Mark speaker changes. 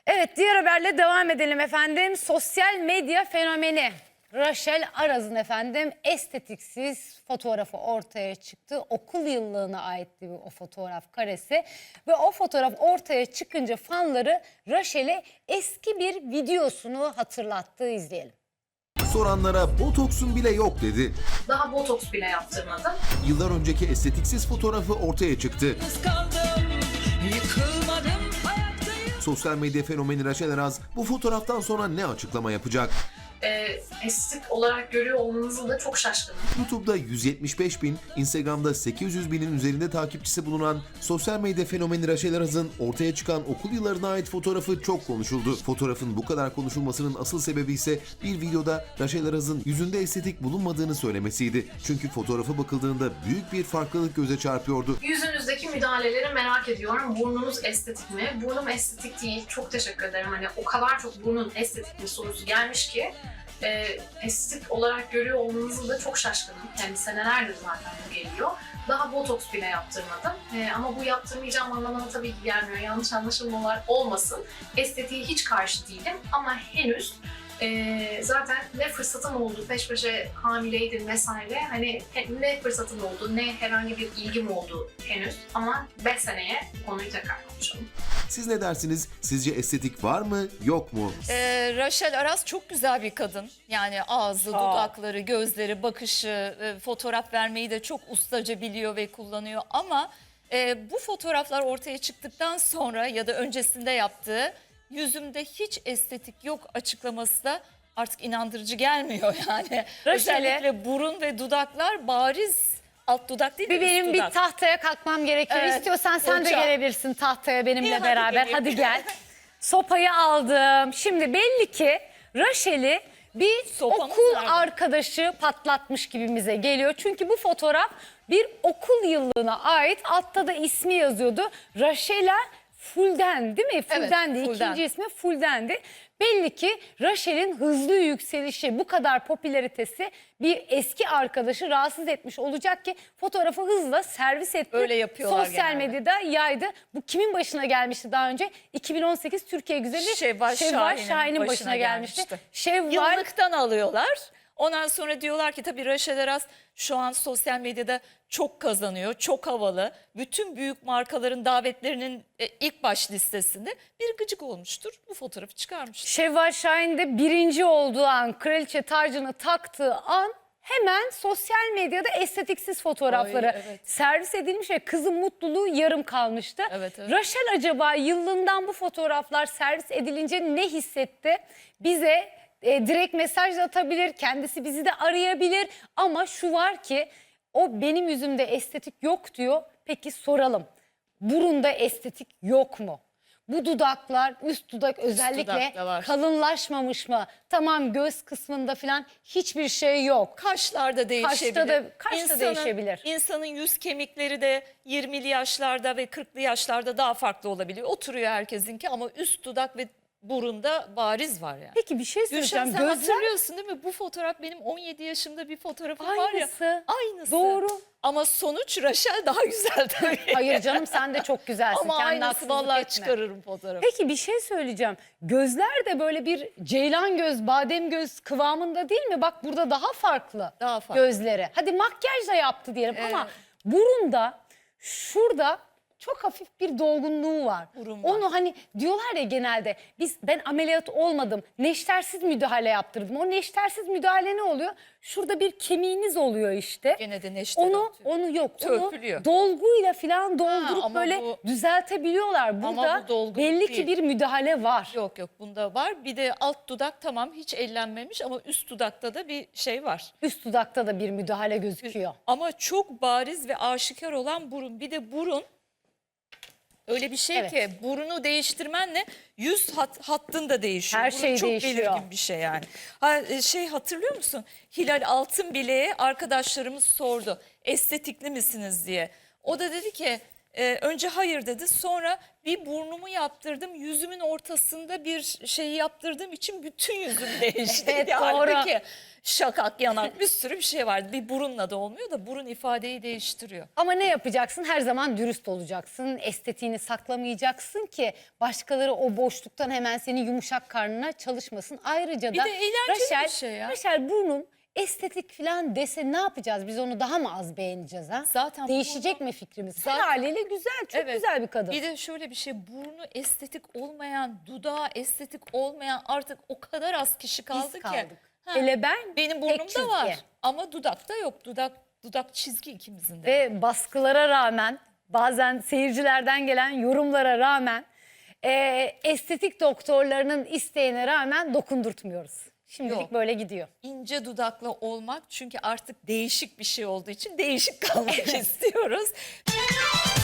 Speaker 1: Evet, diğer haberle devam edelim efendim. Sosyal medya fenomeni Rachel Araz'ın efendim estetiksiz fotoğrafı ortaya çıktı. Okul yıllığına aitti o fotoğraf karesi ve o fotoğraf ortaya çıkınca fanları Rachel'e eski bir videosunu hatırlattı. İzleyelim.
Speaker 2: Soranlara botoksun bile yok dedi.
Speaker 3: Daha botoks bile yaptırmadım.
Speaker 2: Yıllar önceki estetiksiz fotoğrafı ortaya çıktı. Sosyal medya fenomeni Rachel Araz bu fotoğraftan sonra ne açıklama yapacak?
Speaker 3: Estetik olarak görüyor olmanızı da çok şaşkınım.
Speaker 2: YouTube'da 175 bin, Instagram'da 800 binin üzerinde takipçisi bulunan sosyal medya fenomeni Rachel Araz'ın ortaya çıkan okul yıllarına ait fotoğrafı çok konuşuldu. Fotoğrafın bu kadar konuşulmasının asıl sebebi ise bir videoda Rachel Araz'ın yüzünde estetik bulunmadığını söylemesiydi. Çünkü fotoğrafa bakıldığında büyük bir farklılık göze çarpıyordu.
Speaker 3: Yüzünüzdeki müdahaleleri merak ediyorum. Burnunuz estetik mi? Burnum estetik değil. Çok teşekkür ederim. Hani o kadar çok burnun estetik mi sorusu gelmiş ki estetik olarak görüyor olmanızı da çok şaşkınım. Yani senelerdir zaten bu geliyor. Daha botoks bile yaptırmadım. Ama bu yaptırmayacağım anlamına tabii ki gelmiyor. Yanlış anlaşılmalar olmasın. Estetiğe hiç karşı değilim ama henüz zaten ne fırsatım oldu, peş peşe hamileydim vesaire. Hani ne fırsatım oldu, ne herhangi bir ilgim oldu henüz. Ama 5 seneye konuyu tekrar konuşalım.
Speaker 2: Siz ne dersiniz? Sizce estetik var mı, yok mu?
Speaker 4: Rachel Araz çok güzel bir kadın. Yani ağzı, dudakları, gözleri, bakışı, fotoğraf vermeyi de çok ustaca biliyor ve kullanıyor. Ama bu fotoğraflar ortaya çıktıktan sonra ya da öncesinde yaptığı yüzümde hiç estetik yok açıklaması da artık inandırıcı gelmiyor yani. Özellikle burun ve dudaklar bariz. Alt dudak değil de üst
Speaker 1: Benim
Speaker 4: dudak.
Speaker 1: bir tahtaya kalkmam gerekiyor.
Speaker 4: Evet,
Speaker 1: İstiyorsan sen de
Speaker 4: hocam.
Speaker 1: gelebilirsin tahtaya benimle
Speaker 4: İyi, hadi
Speaker 1: beraber.
Speaker 4: geleyim.
Speaker 1: Hadi gel. Sopayı aldım. Şimdi belli ki Rachel'i bir
Speaker 4: Sopamız
Speaker 1: okul
Speaker 4: nerede?
Speaker 1: arkadaşı patlatmış gibimize geliyor. Çünkü bu fotoğraf bir okul yıllığına ait. Altta da ismi yazıyordu. Rachel'a Fulden değil mi? Fulden
Speaker 4: Evet,
Speaker 1: değil.
Speaker 4: Fulden.
Speaker 1: İkinci ismi Fulden'di. Belli ki Rachel'in hızlı yükselişi, bu kadar popülaritesi bir eski arkadaşı rahatsız etmiş olacak ki fotoğrafı hızla servis etti.
Speaker 4: Öyle yapıyorlar
Speaker 1: Sosyal
Speaker 4: genelde.
Speaker 1: medyada yaydı. Bu kimin başına gelmişti daha önce? 2018 Türkiye Güzeli
Speaker 4: Şevval
Speaker 1: Şahin'in başına gelmişti. Şevval
Speaker 4: Yıllıktan alıyorlar. Ondan sonra diyorlar ki tabii Rachel Araz şu an sosyal medyada çok kazanıyor, çok havalı. Bütün büyük markaların davetlerinin ilk baş listesinde bir gıcık olmuştur. Bu fotoğrafı çıkarmıştır.
Speaker 1: Şevval Şahin de birinci olduğu an, kraliçe tacını taktığı an hemen sosyal medyada estetiksiz fotoğrafları
Speaker 4: Ay, evet.
Speaker 1: servis edilmiş ve kızın mutluluğu yarım kalmıştı.
Speaker 4: Evet, evet.
Speaker 1: Rachel acaba yıllığından bu fotoğraflar servis edilince ne hissetti? Bize direkt mesaj da atabilir, kendisi bizi de arayabilir ama şu var ki o benim yüzümde estetik yok diyor. Peki soralım, burunda estetik yok mu? Bu dudaklar, üst dudak özellikle
Speaker 4: dudakta var.
Speaker 1: kalınlaşmamış mı? Tamam, göz kısmında falan hiçbir şey yok.
Speaker 4: Kaşlar da değişebilir.
Speaker 1: Kaş da değişebilir.
Speaker 4: İnsanın yüz kemikleri de 20'li yaşlarda ve 40'lı yaşlarda daha farklı olabiliyor. Oturuyor herkesinki ama üst dudak ve burunda bariz var yani.
Speaker 1: Peki bir şey
Speaker 4: Gülşen
Speaker 1: söyleyeceğim.
Speaker 4: sen
Speaker 1: Gözler
Speaker 4: hatırlıyorsun değil mi? Bu fotoğraf benim 17 yaşımda bir fotoğrafım var ya.
Speaker 1: aynısı.
Speaker 4: Aynısı.
Speaker 1: Doğru.
Speaker 4: Ama sonuç Rachel daha güzel tabii.
Speaker 1: Hayır canım, sen de çok güzelsin.
Speaker 4: Ama
Speaker 1: Kendine
Speaker 4: aynısı
Speaker 1: haksızlık
Speaker 4: vallahi
Speaker 1: etme.
Speaker 4: çıkarırım fotoğrafı.
Speaker 1: Peki bir şey söyleyeceğim. Gözler de böyle bir ceylan göz, badem göz kıvamında değil mi? Bak burada daha farklı.
Speaker 4: Daha farklı.
Speaker 1: Gözleri. Hadi makyajla yaptı diyelim ama burunda, şurada çok hafif bir dolgunluğu var.
Speaker 4: Burun var.
Speaker 1: Onu hani diyorlar ya genelde, ben ameliyat olmadım, neştersiz müdahale yaptırdım. O neştersiz müdahale ne oluyor? Şurada bir kemiğiniz oluyor işte.
Speaker 4: Gene de neşter
Speaker 1: Onu
Speaker 4: atıyor. Törpülüyor.
Speaker 1: Onu dolguyla falan doldurup
Speaker 4: ama
Speaker 1: böyle
Speaker 4: bu-
Speaker 1: düzeltebiliyorlar. Burada
Speaker 4: bu dolgunluk
Speaker 1: belli ki
Speaker 4: değil.
Speaker 1: bir müdahale var.
Speaker 4: Yok bunda var. Bir de alt dudak tamam hiç ellenmemiş ama üst dudakta da bir şey var.
Speaker 1: Üst dudakta da bir müdahale gözüküyor.
Speaker 4: Ama çok bariz ve aşikar olan burun. Bir de burun öyle bir şey
Speaker 1: Evet.
Speaker 4: ki burunu değiştirmenle yüz hattın da değişiyor.
Speaker 1: Her
Speaker 4: Burun
Speaker 1: şey
Speaker 4: çok
Speaker 1: değişiyor.
Speaker 4: belirgin bir şey yani. Hatırlıyor musun? Hilal Altınbile'ye arkadaşlarımız sordu. Estetikli misiniz diye. O da dedi ki Önce hayır dedi, sonra bir burnumu yaptırdım, yüzümün ortasında bir şeyi yaptırdığım için bütün yüzüm değişti.
Speaker 1: Evet,
Speaker 4: Halbuki şakak, yanak, bir sürü bir şey vardı. Bir burunla da olmuyor da burun ifadeyi değiştiriyor.
Speaker 1: Ama ne yapacaksın? Her zaman dürüst olacaksın. Estetiğini saklamayacaksın ki başkaları o boşluktan hemen senin yumuşak karnına çalışmasın. Ayrıca
Speaker 4: Bir
Speaker 1: da
Speaker 4: de eğlenceli bir şey ya.
Speaker 1: Raşel burnum estetik falan dese ne yapacağız? Biz onu daha mı az beğeneceğiz ha?
Speaker 4: Zaten
Speaker 1: Değişecek
Speaker 4: burnu-
Speaker 1: mi fikrimiz?
Speaker 4: Zaten-
Speaker 1: Her haliyle güzel, çok
Speaker 4: Evet.
Speaker 1: güzel bir kadın.
Speaker 4: Bir de şöyle bir şey, burnu estetik olmayan, dudağı estetik olmayan artık o kadar az kişi kaldı
Speaker 1: Biz
Speaker 4: ki.
Speaker 1: kaldık.
Speaker 4: Ha,
Speaker 1: Hele ben
Speaker 4: benim
Speaker 1: tek
Speaker 4: burnumda
Speaker 1: çizgi.
Speaker 4: var ama dudakta yok. Dudak çizgi ikimizin de.
Speaker 1: Ve baskılara rağmen, bazen seyircilerden gelen yorumlara rağmen, estetik doktorlarının isteğine rağmen dokundurtmuyoruz. Şimdilik
Speaker 4: Yok.
Speaker 1: böyle gidiyor.
Speaker 4: İnce dudaklı olmak, çünkü artık değişik bir şey olduğu için değişik kalmak istiyoruz.